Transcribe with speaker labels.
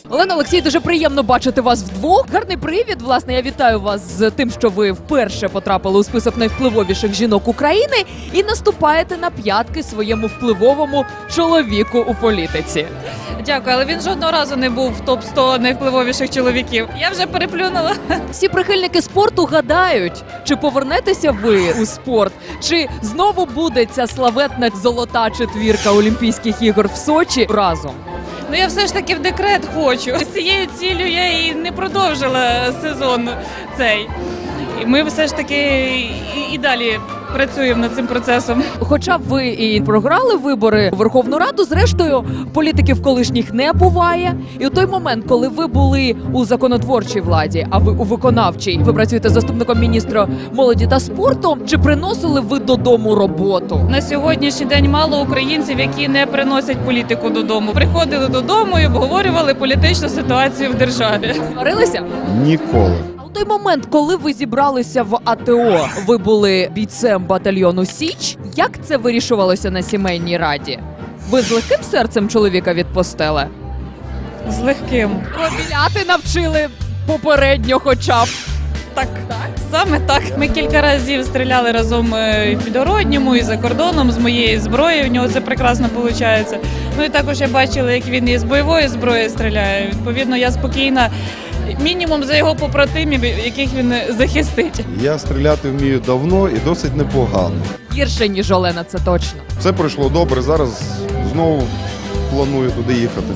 Speaker 1: Олена, Олексій, дуже приємно бачити вас вдвох. Гарний привід. Власне, я вітаю вас з тим, що ви вперше потрапили у список найвпливовіших жінок України і наступаєте на п'ятки своєму впливовому чоловіку у політиці.
Speaker 2: Дякую, але він жодного разу не був в топ-100 найвпливовіших чоловіків. Я вже переплюнула.
Speaker 1: Всі прихильники спорту гадають, чи повернетеся ви у спорт, чи знову буде ця славетна золота четвірка Олімпійських ігор в Сочі разом.
Speaker 2: Ну я все ж таки в декрет хочу. З цією ціллю я і не продовжила сезон цей. І ми все ж таки і далі працюємо над цим процесом.
Speaker 1: Хоча б ви і програли вибори у Верховну Раду, зрештою, політиків колишніх не буває. І у той момент, коли ви були у законотворчій владі, а ви у виконавчій, ви працюєте заступником міністра молоді та спорту, чи приносили ви додому роботу?
Speaker 2: На сьогоднішній день мало українців, які не приносять політику додому. Приходили додому і обговорювали політичну ситуацію в державі.
Speaker 1: Сварилися?
Speaker 3: Ніколи.
Speaker 1: У той момент, коли ви зібралися в АТО, ви були бійцем батальйону «Січ». Як це вирішувалося на сімейній раді? Ви з легким серцем чоловіка відпустили?
Speaker 2: З легким.
Speaker 1: Проміляти навчили попередньо хоча б.
Speaker 2: Так, саме так. Ми кілька разів стріляли разом і в Підгородньому, і за кордоном з моєї зброї. У нього це прекрасно виходить. Ну і також я бачила, як він із бойової зброї стріляє. Відповідно, я спокійна. Мінімум за його побратимів, яких він захистить.
Speaker 3: Я стріляти вмію давно і досить непогано.
Speaker 1: Гірше, ніж Олена, це точно.
Speaker 3: Все пройшло добре, зараз знову планую туди їхати.